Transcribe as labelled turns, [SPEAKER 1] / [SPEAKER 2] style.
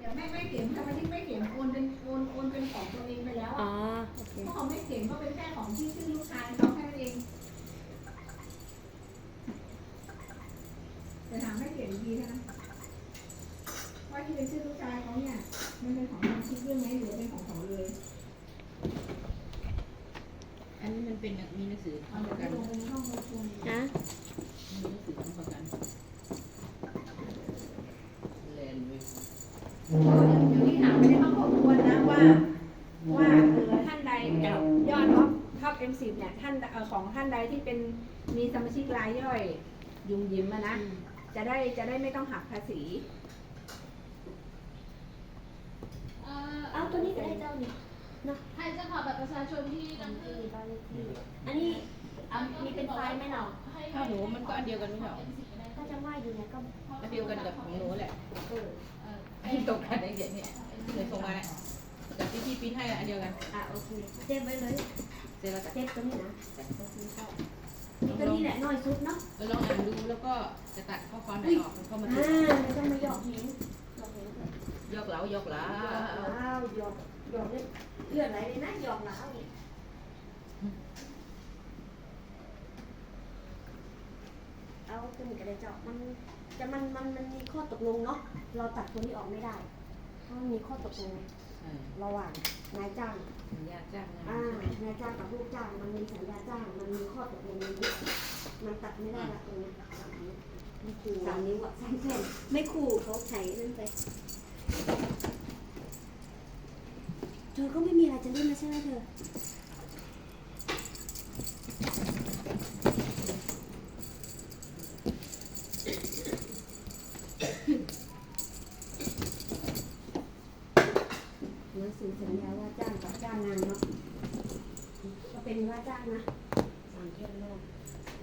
[SPEAKER 1] แต่ไม่เขียนทำไมที่ไม่เขียนโอนเป็นของตัวเองไปแล้ว
[SPEAKER 2] อ๋อ
[SPEAKER 1] อ่ะ
[SPEAKER 2] โอเค
[SPEAKER 1] เพราะเขาไม่เขียนก็เป็นแค่ของที่ชื่อลูกชายเขาแค่นั้นเองแต่ถามให้เขียนดีนะว่าที่เป็นชื่อลูกชายเขาเนี่ยมันเป็นของสมาชิกด้วยไหมหรือเป็นของเขาเลย
[SPEAKER 3] อันนี้มันเป็นมีหนังสือ
[SPEAKER 1] เอา
[SPEAKER 3] ทำป
[SPEAKER 1] เดี๋ยว
[SPEAKER 3] ระ
[SPEAKER 1] ไป
[SPEAKER 3] กัน
[SPEAKER 1] ลงในห้องประชุม
[SPEAKER 2] นะ
[SPEAKER 3] มีหนังสือทำประกันแลนด์เว็บ
[SPEAKER 1] เดี๋ยวนี้ถามไปในห้องครอบครัวนะว่าท่านใดยอดท็อป M10 เนี่ยท่านของท่านใดที่เป็นมีสมาชิกรายย่อยยุงยิ้มนะจะได้ไม่ต้องหักภาษี
[SPEAKER 2] เอาตัวนี้ก็ได้เจ้านี่
[SPEAKER 4] ใครจะขอบัตรประชาชนที่นั่นคือ
[SPEAKER 2] บ้านเลขที่อันนี้มีเป็นไฟล์ไหมเนาะ
[SPEAKER 3] ถ้าหนูมันก็อันเดียวกันไม่ใช่หรอ
[SPEAKER 2] ถ้าจะว่าอยู่เนี่ยก็
[SPEAKER 3] อันเดียวกันกับของหนูแหละ
[SPEAKER 2] เออ
[SPEAKER 3] อันนี้ตกกันได้เดี๋ยวนี้เลยส่งมาเนี่ยกับที่พี่ปริ้นให้อันเดียวกัน
[SPEAKER 2] โอเคเซฟไว้เลย
[SPEAKER 3] เสร็จแล้วก็
[SPEAKER 2] เซฟตัวนี้นะโอเคก็ตัวนี้แหละน้อยสุดเนาะ
[SPEAKER 3] ลองอ่านดูแล้วก็จะตัดข้อความไหนออกมันเข้ามาดู
[SPEAKER 2] ไม่ต้องมาหยอกหินหยอกหินเลย
[SPEAKER 3] ยกเหลายกเหลา
[SPEAKER 2] ว้าวหยอกเนี่ยเลือดไหลเลยนะหยอกหลาวนี่เอาตัวนี้ก็ได้เจาะมันมีข้อตกลงเนาะเราตัดตัวนี้ออกไม่ได้เพราะมันมีข้อตกลงระหว่างนายจ้าง
[SPEAKER 3] สัญญาจ้างงาน
[SPEAKER 2] นายจ้างกับลูกจ้างมันมีสัญญาจ้างมันมีข้อตกลงมันตัดไม่ได้ละตรงนี้3 นิ้วอะ3 เส้นไม่คู่เขาใช้นั่นไปเธอก็ไม่มีอะไรจะเล่นนะใช่ไหมเธอหนังสือสัญญาว่าจ้างกับจ้างงานเนาะก็เป็นว่าจ้างนะ3 เดือนแรก